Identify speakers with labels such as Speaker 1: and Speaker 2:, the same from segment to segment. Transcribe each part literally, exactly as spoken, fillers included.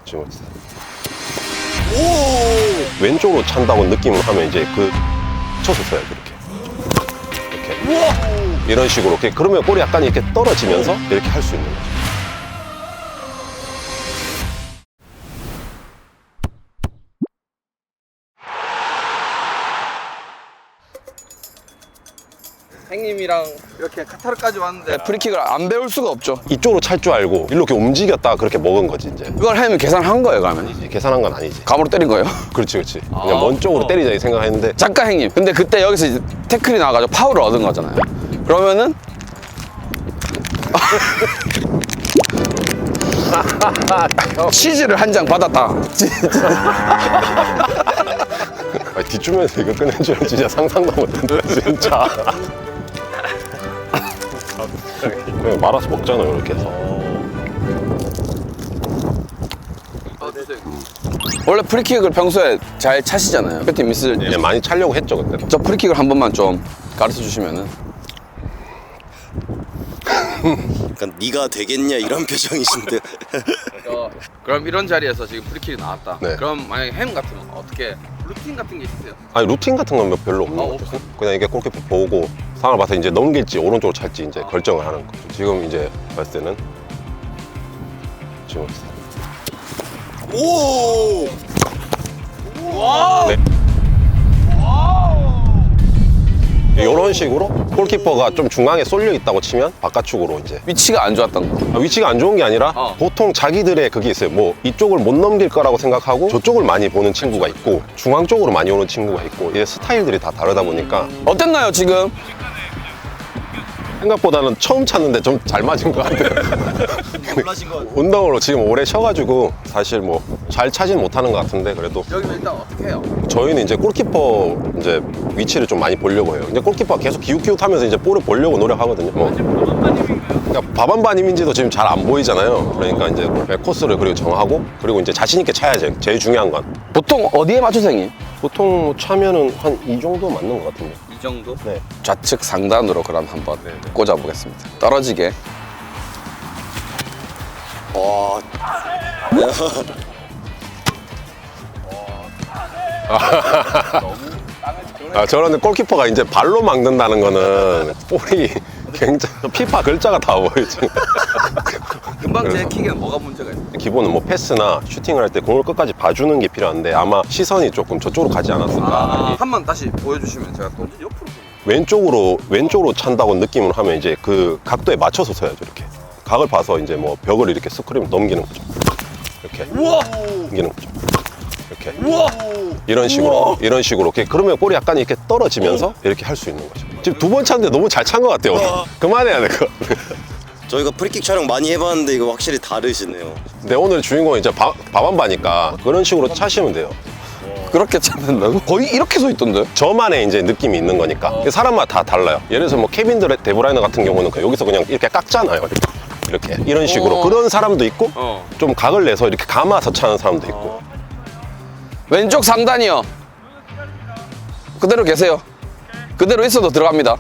Speaker 1: 지금 오! 왼쪽으로 찬다고 느낌을 하면 이제 그 쳐서 써야죠. 이렇게 이렇게 우와! 이런 식으로 이렇게 그러면 볼이 약간 이렇게 떨어지면서 이렇게 할 수 있는 거죠.
Speaker 2: 형님이랑 이렇게 카타르까지 왔는데 프리킥을 안 배울 수가 없죠.
Speaker 1: 이쪽으로 찰 줄 알고 이렇게 움직였다가 그렇게 먹은 거지 이제.
Speaker 2: 그걸 하면 계산한 거예요, 그러면?
Speaker 1: 이제 계산한 건 아니지.
Speaker 2: 감으로 때린 거예요?
Speaker 1: 그렇지 그렇지. 그냥 먼 쪽으로 때리자 이 생각했는데
Speaker 2: 잠깐 형님, 근데 그때 여기서 이제 태클이 나와가지고 파울을 얻은 거잖아요. 그러면은 치즈를 한 장 받았다.
Speaker 1: 아니, 뒷주면에서 이거 끝낸 줄은 진짜 상상도 못했는데 진짜. 그냥 말아서 먹잖아요 이렇게 해서.
Speaker 2: 원래 프리킥을 평소에 잘 차시잖아요. 배팅 미스.
Speaker 1: 네, 많이 차려고 했죠 그때.
Speaker 2: 저 프리킥을 한 번만 좀 가르쳐 주시면은.
Speaker 3: 약간 네가 되겠냐 이런 표정이신데.
Speaker 2: 어, 그럼 이런 자리에서 지금 프리킥이 나왔다.
Speaker 1: 네.
Speaker 2: 그럼 만약에 햄 같으면 어떻게 루틴 같은 게 있으세요?
Speaker 1: 아니 루틴 같은 건 별로 없는
Speaker 2: 아,
Speaker 1: 것 같아요.
Speaker 2: 없어?
Speaker 1: 그냥 이게 골키퍼 보고 상황을 봐서 이제 넘길지 오른쪽으로 찰지 이제 결정을 하는 거죠. 지금 이제 봤을 때는 지금
Speaker 3: 오!
Speaker 1: 네. 이런 식으로 골키퍼가 좀 중앙에 쏠려 있다고 치면 바깥쪽으로 이제
Speaker 2: 위치가 안 좋았던 거.
Speaker 1: 아, 위치가 안 좋은 게 아니라
Speaker 2: 어.
Speaker 1: 보통 자기들의 그게 있어요. 뭐 이쪽을 못 넘길 거라고 생각하고 저쪽을 많이 보는 친구가 있고 중앙 쪽으로 많이 오는 친구가 있고 이게 스타일들이 다 다르다 보니까
Speaker 2: 어땠나요 지금?
Speaker 1: 생각보다는 처음 찼는데 좀 잘 맞은 것 같아요.
Speaker 3: 놀라신 것 같아요.
Speaker 1: 운동으로 지금 오래 쉬어가지고 사실 뭐 잘 차진 못하는 것 같은데 그래도
Speaker 2: 여기는 일단 어떻게 해요?
Speaker 1: 저희는 이제 골키퍼 이제 위치를 좀 많이 보려고 해요. 이제 골키퍼가 계속 기웃기웃하면서 이제 볼을 보려고 노력하거든요. 뭐. 그러니까 바반바님인지도 지금 잘 안 보이잖아요. 그러니까 이제 코스를 그리고 정하고 그리고 이제 자신 있게 차야죠. 제일 중요한 건
Speaker 2: 보통 어디에 맞춰서 형님?
Speaker 1: 보통 뭐 차면은 한 이 정도 맞는 것 같은데.
Speaker 2: 이 정도?
Speaker 1: 네.
Speaker 2: 좌측 상단으로 그럼 한번
Speaker 1: 네, 네.
Speaker 2: 꽂아보겠습니다. 떨어지게.
Speaker 3: 와,
Speaker 1: 아, 저런데 골키퍼가 이제 발로 막는다는 거는 볼이 굉장히 피파 글자가 다 보이지.
Speaker 2: 금방 제
Speaker 1: 그래서.
Speaker 2: 킥에는 뭐가 문제가 있어요?
Speaker 1: 기본은 뭐 패스나 슈팅을 할 때 공을 끝까지 봐주는 게 필요한데 아마 시선이 조금 저쪽으로 가지 않았을까.
Speaker 2: 아, 한 번 다시 보여주시면 제가 또 옆으로.
Speaker 1: 왼쪽으로 왼쪽으로 찬다고 느낌을 하면 이제 그 각도에 맞춰서 서야죠. 이렇게 각을 봐서 이제 뭐 벽을 이렇게 스크림 넘기는 거죠. 이렇게
Speaker 2: 우와!
Speaker 1: 넘기는 거죠. 이렇게
Speaker 2: 우와!
Speaker 1: 이런 식으로 이런 식으로 이렇게 그러면 볼이 약간 이렇게 떨어지면서 이렇게 할 수 있는 거죠. 지금 두 번 찼는데 너무 잘 찬 것 같아요. 오늘. 그만해야 될 것 같아요.
Speaker 3: 저희가 프리킥 촬영 많이 해봤는데 이거 확실히 다르시네요.
Speaker 1: 근데 오늘 주인공은 이제 바, 바밤바니까 그런 식으로 차시면 돼요.
Speaker 2: 그렇게 차는다고? 거의 이렇게 서 있던데?
Speaker 1: 저만의 이제 느낌이 있는 거니까 사람마다 다 달라요. 예를 들어서 뭐 케빈 드 데브라이너 같은 경우는 그냥 여기서 그냥 이렇게 깎잖아요. 이렇게 이런 식으로
Speaker 2: 어.
Speaker 1: 그런 사람도 있고
Speaker 2: 어.
Speaker 1: 좀 각을 내서 이렇게 감아서 차는 사람도 있고.
Speaker 2: 왼쪽 상단이요. 그대로 계세요. 그대로 있어도 들어갑니다.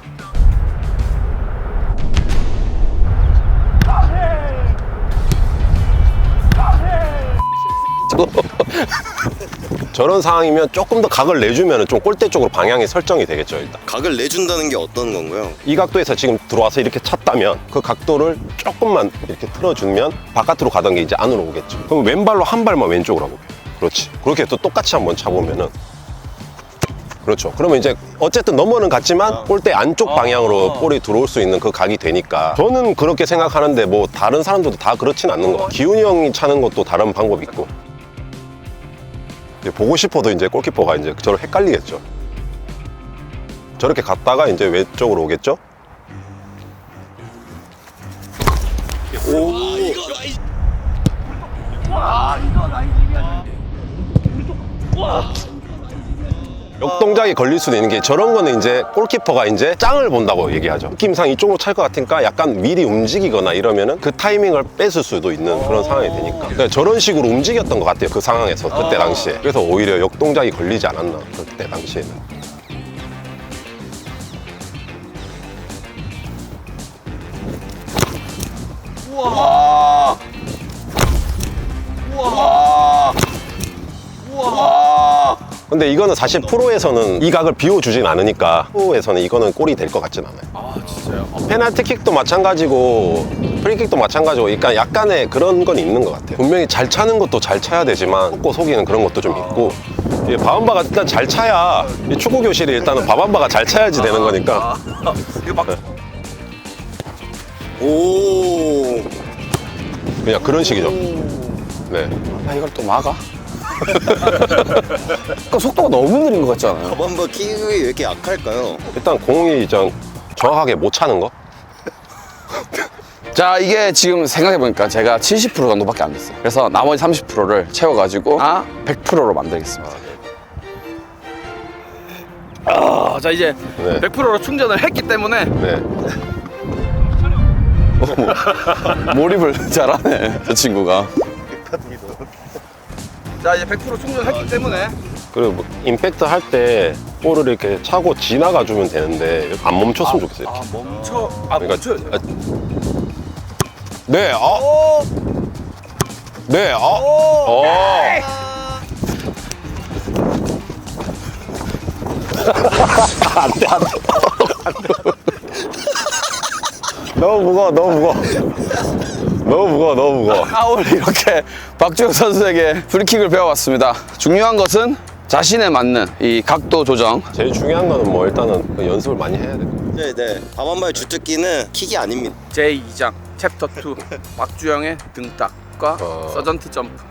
Speaker 1: 저런 상황이면 조금 더 각을 내주면 좀 골대 쪽으로 방향이 설정이 되겠죠. 일단
Speaker 3: 각을 내준다는 게 어떤 건가요?
Speaker 1: 이 각도에서 지금 들어와서 이렇게 찼다면 그 각도를 조금만 이렇게 틀어주면 바깥으로 가던 게 이제 안으로 오겠죠. 그럼 왼발로 한 발만 왼쪽으로 하고 그렇지. 그렇게 또 똑같이 한번 차보면은 그렇죠. 그러면 이제 어쨌든 넘어는 갔지만 골대 안쪽 방향으로 볼이 들어올 수 있는 그 각이 되니까 저는 그렇게 생각하는데 뭐 다른 사람들도 다 그렇진 않는 거 같아요. 기훈이 형이 차는 것도 다른 방법이 있고 이제 보고 싶어도 이제 골키퍼가 이제 저를 헷갈리겠죠. 저렇게 갔다가 이제 왼쪽으로 오겠죠.
Speaker 3: 오,
Speaker 1: 역동작이 걸릴 수도 있는 게 저런 거는 이제 골키퍼가 이제 짱을 본다고 얘기하죠. 느낌상 이쪽으로 찰 것 같으니까 약간 미리 움직이거나 이러면은 그 타이밍을 뺏을 수도 있는 그런 상황이 되니까 그러니까 저런 식으로 움직였던 것 같아요. 그 상황에서 그때 당시에. 그래서 오히려 역동작이 걸리지 않았나 그때 당시에는.
Speaker 2: 우와! 우와!
Speaker 1: 근데 이거는 사실 프로에서는 이 각을 비워주진 않으니까 프로에서는 이거는 골이 될 것 같진 않아요.
Speaker 2: 아 진짜요?
Speaker 1: 페널티킥도 마찬가지고 프리킥도 마찬가지고 그러니까 약간의 그런 건 있는 것 같아요. 분명히 잘 차는 것도 잘 차야 되지만 속고 속이는 그런 것도 좀 있고 이 바밤바가 일단 잘 차야 이 축구 교실이 일단은 바밤바가 잘 차야지 되는 거니까.
Speaker 2: 아, 이거 막
Speaker 3: 오.
Speaker 1: 그냥 그런 식이죠. 네.
Speaker 2: 아, 이걸 또 막아? 그 속도가 너무 느린 것 같지 않아요?
Speaker 3: 바밤바 킥이 왜 이렇게 약할까요?
Speaker 1: 일단 공이 좀 정확하게 못 차는 거.
Speaker 2: 자, 이게 지금 생각해보니까 제가 칠십 퍼센트 정도밖에 안 됐어요. 그래서 나머지 삼십 퍼센트를 채워가지고 아 백 퍼센트로 만들겠습니다. 아, 자 이제
Speaker 1: 네.
Speaker 2: 백 퍼센트로 충전을 했기 때문에
Speaker 1: 네.
Speaker 2: 몰입을 잘하네, 저 친구가. 자, 이제 백 퍼센트 충전했기 때문에
Speaker 1: 그리고 뭐 임팩트 할 때 볼을 이렇게 차고 지나가 주면 되는데 안 멈췄으면 좋겠어요.
Speaker 2: 아, 멈춰. 아,
Speaker 1: 그러니까
Speaker 2: 멈춰야 돼.
Speaker 1: 아, 네, 아, 네, 아, 어. 안돼, 안돼, 너무 무거워, 너무 무거워, 너무 무거워, 너무 무거워.
Speaker 2: 아, 오늘 이렇게 박주영 선수에게 프리킥을 배워봤습니다. 중요한 것은 자신에 맞는 이 각도 조정.
Speaker 1: 제일 중요한 거는 뭐 일단은 그 연습을 많이 해야 돼요.
Speaker 3: 네, 네. 바밤바의 주특기는 킥이 아닙니다.
Speaker 2: 제이 장 챕터 투 박주영의 등딱과
Speaker 1: 어.
Speaker 2: 서전트 점프.